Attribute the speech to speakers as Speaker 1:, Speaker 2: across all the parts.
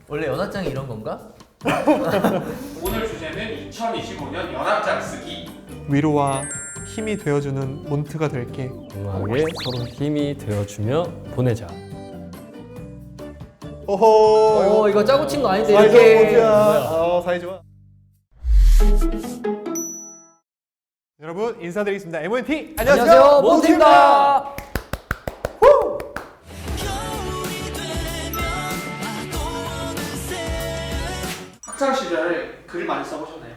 Speaker 1: 원래 연하장이 이런 건가?
Speaker 2: 오늘 주제는 2025년 연합장 쓰기.
Speaker 3: 위로와 힘이 되어주는 몬트가 될게.
Speaker 4: 음악에 서로 힘이 되어주며 보내자.
Speaker 3: 오호.
Speaker 1: 이거 짜고 친 거 아닌데
Speaker 3: 사이좋아
Speaker 1: 이렇게.
Speaker 3: 몬트야. 사이좋아. 여러분 인사드리겠습니다. MONT
Speaker 1: 안녕하세요, 몬트입니다.
Speaker 2: 학창 시절에 글을 많이 써보셨나요?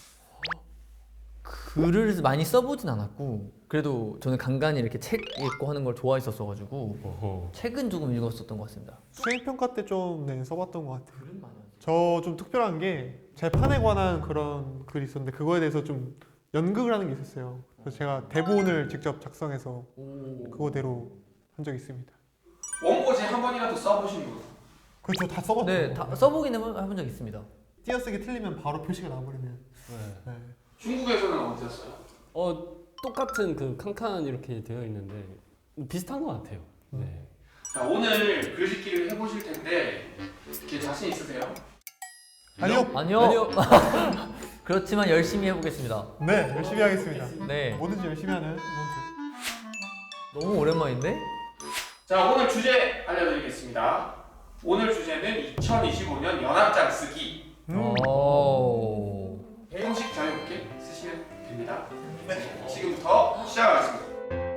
Speaker 1: 글을 많이 써보진 않았고 그래도 저는 간간히 이렇게 책 읽고 하는 걸 좋아했었어가지고
Speaker 4: 어허.
Speaker 1: 책은 조금 읽었었던 것 같습니다.
Speaker 3: 수행평가 때 좀 써봤던 것 같아요. 저 좀 특별한 게 재판에 관한 그런 글이 있었는데 그거에 대해서 좀 연극을 하는 게 있었어요. 그래서 제가 대본을 직접 작성해서 그거대로 한 적이 있습니다.
Speaker 2: 원고지 한 번이라도 써보신 분?
Speaker 3: 그렇죠, 다 써봤죠.
Speaker 1: 네, 다 써보긴 해본 적 있습니다.
Speaker 3: 띄어쓰기 틀리면 바로 표시가 나와버리면. 네.
Speaker 2: 중국에서는 어땠어요?
Speaker 4: 똑같은 그 칸칸 이렇게 되어 있는데 비슷한 것 같아요. 네.
Speaker 2: 자, 오늘 글짓기를 해보실 텐데 이렇게 자신 있으세요?
Speaker 3: 아니요.
Speaker 1: 아니요. 그렇지만 열심히 해보겠습니다.
Speaker 3: 네, 열심히 하겠습니다.
Speaker 1: 네,
Speaker 3: 뭐든지 열심히 하는 몬트.
Speaker 1: 너무 오랜만인데?
Speaker 2: 자, 오늘 주제 알려드리겠습니다. 오늘 주제는 2025년 연합장 쓰기.
Speaker 1: 오.
Speaker 2: 형식 자유롭게 쓰시면 됩니다. 지금부터 시작하겠습니다.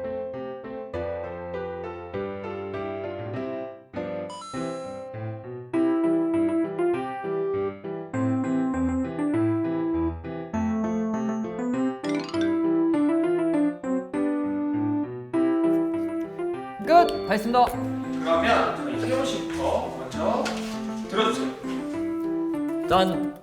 Speaker 1: 끝! 다 했습니다.
Speaker 2: 그러면 저희 태훈 씨부터 먼저 들어주세요.
Speaker 1: 짠!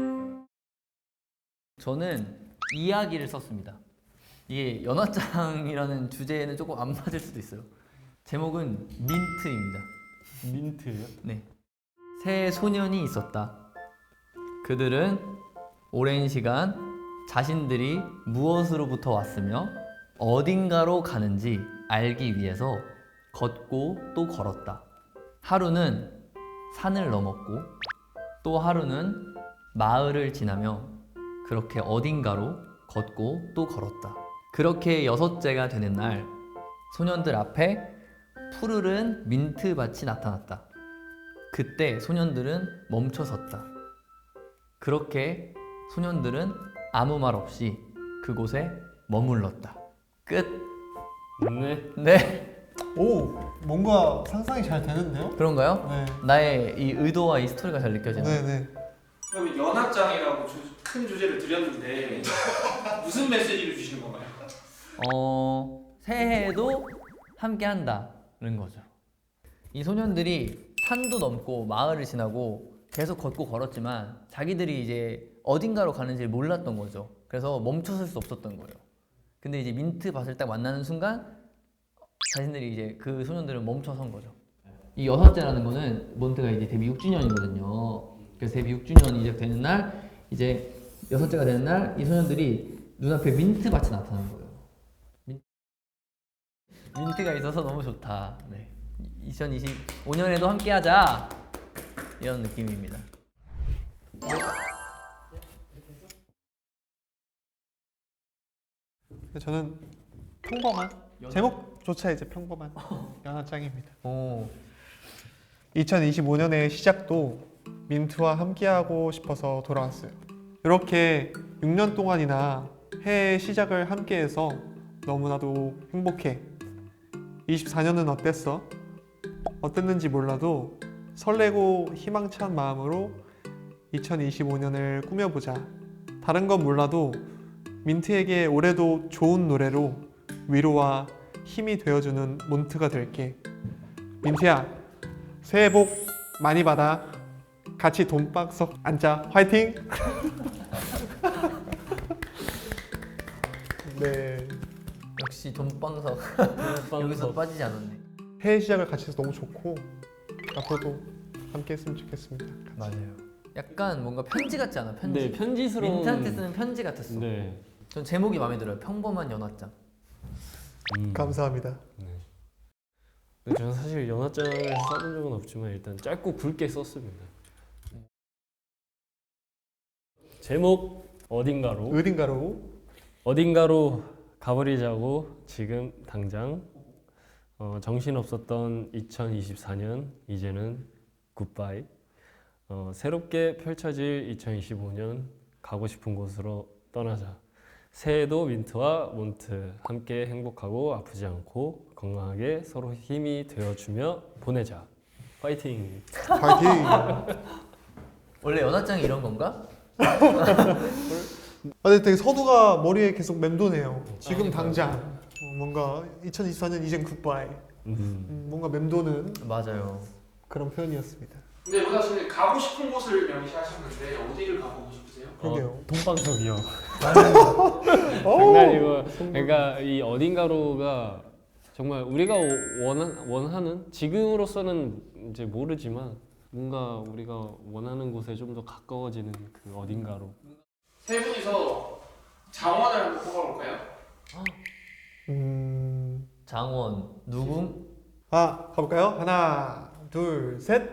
Speaker 1: 저는 이야기를 썼습니다. 이게 연화장이라는 주제에는 조금 안 맞을 수도 있어요. 제목은 민트입니다.
Speaker 4: 민트예요?
Speaker 1: 네. 세 소년이 있었다. 그들은 오랜 시간 자신들이 무엇으로부터 왔으며 어딘가로 가는지 알기 위해서 걷고 또 걸었다. 하루는 산을 넘었고 또 하루는 마을을 지나며 그렇게 어딘가로 걷고 또 걸었다. 그렇게 여섯째가 되는 날 소년들 앞에 푸르른 민트밭이 나타났다. 그때 소년들은 멈춰섰다. 그렇게 소년들은 아무 말 없이 그곳에 머물렀다. 끝.
Speaker 4: 네.
Speaker 1: 네.
Speaker 3: 오, 뭔가 상상이 잘 되는데요?
Speaker 1: 그런가요?
Speaker 3: 네.
Speaker 1: 나의 이 의도와 이 스토리가 잘 느껴지나요?
Speaker 3: 네네.
Speaker 2: 그러면 연합장이라고 큰 주제를 드렸는데 무슨 메시지를 주시는 건가요?
Speaker 1: 새해에도 함께 한다는 거죠. 이 소년들이 산도 넘고 마을을 지나고 계속 걷고 걸었지만 자기들이 이제 어딘가로 가는지 몰랐던 거죠. 그래서 멈춰설 수 없었던 거예요. 근데 이제 민트밭을 딱 만나는 순간 자신들이 이제 그 소년들은 멈춰선 거죠. 이 여섯째라는 거는 몬트가 이제 데뷔 6주년이거든요. 그래서 데뷔 6주년이 이제 되는 날 이제 여섯째가 되는 날 이 소년들이 눈앞에 민트밭이 나타난 거예요. 민트가 있어서 너무 좋다. 네. 2025년에도 함께하자 이런 느낌입니다.
Speaker 3: 저는 평범한 제목조차 이제 평범한 연하장입니다.
Speaker 1: 오.
Speaker 3: 2025년의 시작도 민트와 함께하고 싶어서 돌아왔어요. 이렇게 6년 동안이나 해의 시작을 함께해서 너무나도 행복해. 24년은 어땠어? 어땠는지 몰라도 설레고 희망찬 마음으로 2025년을 꾸며보자. 다른 건 몰라도 민트에게 올해도 좋은 노래로 위로와 힘이 되어주는 몬트가 될게. 민트야, 새해 복 많이 받아. 같이 돈박석 앉자. 화이팅! 네.
Speaker 1: 역시 돈방석 여기서 빠지지 않았네.
Speaker 3: 해의 시작을 같이 해서 너무 좋고 앞으로도 함께 했으면 좋겠습니다. 같이.
Speaker 1: 맞아요. 약간 뭔가 편지 같지 않아? 편지.
Speaker 4: 네, 편지스러운.
Speaker 1: 민트한테 쓰는 편지 같았어.
Speaker 4: 네.
Speaker 1: 전 제목이 마음에 들어요. 평범한 연화장.
Speaker 3: 감사합니다.
Speaker 4: 네. 근데 저는 사실 연하장을 써본 적은 없지만 일단 짧고 굵게 썼습니다. 제목 어딘가로
Speaker 3: 어딘가로
Speaker 4: 가버리자고 지금 당장. 정신없었던 2024년 이제는 굿바이. 새롭게 펼쳐질 2025년 가고 싶은 곳으로 떠나자. 새해도 민트와 몬트 함께 행복하고 아프지 않고 건강하게 서로 힘이 되어주며 보내자. 파이팅.
Speaker 3: 파이팅.
Speaker 1: 원래 연하장이 이런 건가?
Speaker 3: 아, 근데 되게 서두가 머리에 계속 맴도네요. 지금 당장 뭔가 2024년 이젠 굿바이. 뭔가 맴도는
Speaker 1: 맞아요.
Speaker 3: 그런 표현이었습니다.
Speaker 2: 근데 로다 씨는 가고 싶은 곳을 명시하셨는데 어디를 가보고 싶으세요?
Speaker 3: 그러게요.
Speaker 4: 동방석이요.
Speaker 3: 어우,
Speaker 4: 장난이고. 그러니까 이 어딘가로가 정말 우리가 원하는 지금으로서는 이제 모르지만 뭔가 우리가 원하는 곳에 좀 더 가까워지는 그 어딘가로.
Speaker 2: 세 분이서 장원을 한번 뽑아볼까요?
Speaker 1: 장원 누궁?
Speaker 3: 가볼까요? 하나, 둘, 셋.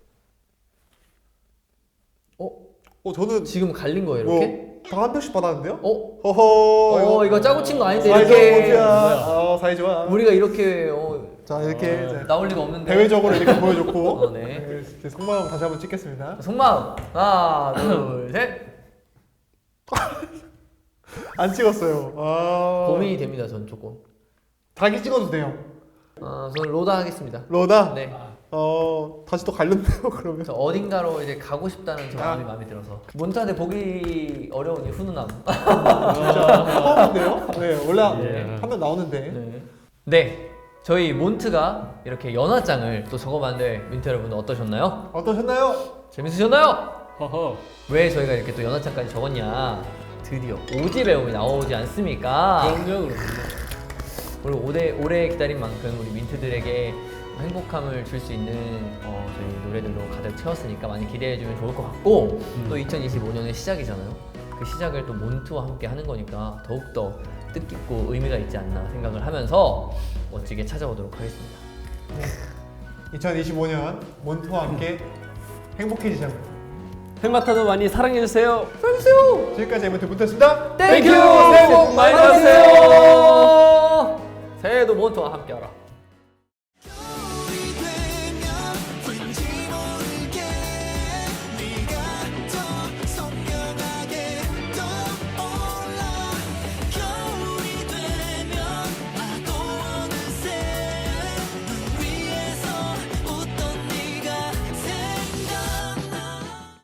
Speaker 3: 저는
Speaker 1: 지금 갈린 거예요 이렇게?
Speaker 3: 다 한 표씩 받았는데요?
Speaker 1: 허허. 이거 짜고 친 거 아닌데
Speaker 3: 사이좋아.
Speaker 1: 이렇게
Speaker 3: 사이 좋아.
Speaker 1: 우리가 이렇게
Speaker 3: 자 이렇게 이제
Speaker 1: 나올 리가 없는데.
Speaker 3: 대외적으로 이렇게 보여줬고.
Speaker 1: 네.
Speaker 3: 이제 속마음 다시 한번 찍겠습니다.
Speaker 1: 속마음 하나 둘 셋.
Speaker 3: 안 찍었어요.
Speaker 1: 고민이 됩니다 전 조금.
Speaker 3: 자기 찍어도 돼요.
Speaker 1: 저는 로다 하겠습니다.
Speaker 3: 로다.
Speaker 1: 네.
Speaker 3: 다시 또 갈렸네요 그러면.
Speaker 1: 저 어딘가로 이제 가고 싶다는 저 마음이 들어서. 몬타네 보기 어려운 이 훈훈함.
Speaker 3: 진짜 처음인데요? 네 원래
Speaker 4: 예.
Speaker 3: 하면 나오는데.
Speaker 1: 네. 네. 저희 몬트가 이렇게 연화장을 또 적어봤는데 민트 여러분 어떠셨나요?
Speaker 3: 어떠셨나요?
Speaker 1: 재밌으셨나요?
Speaker 4: 허허.
Speaker 1: 왜 저희가 이렇게 또 연화장까지 적었냐? 드디어 오지 배움이 나오지 않습니까?
Speaker 4: 그럼요.
Speaker 1: 그리고 오래 기다린 만큼 우리 민트들에게 행복함을 줄 수 있는 저희 노래들로 가득 채웠으니까 많이 기대해주면 좋을 것 같고 또 2025년의 시작이잖아요. 그 시작을 또 몬트와 함께 하는 거니까 더욱더 뜻깊고 의미가 있지 않나 생각을 하면서 멋지게 찾아오도록 하겠습니다.
Speaker 3: 2025년 몬트와 함께 행복해지자고.
Speaker 4: 헬마타도 많이 사랑해주세요.
Speaker 3: 지금까지 에버트 몬트였습니다.
Speaker 1: 땡큐!
Speaker 4: 새해 복 많이 받으세요.
Speaker 1: 새해도 몬트와 함께하라.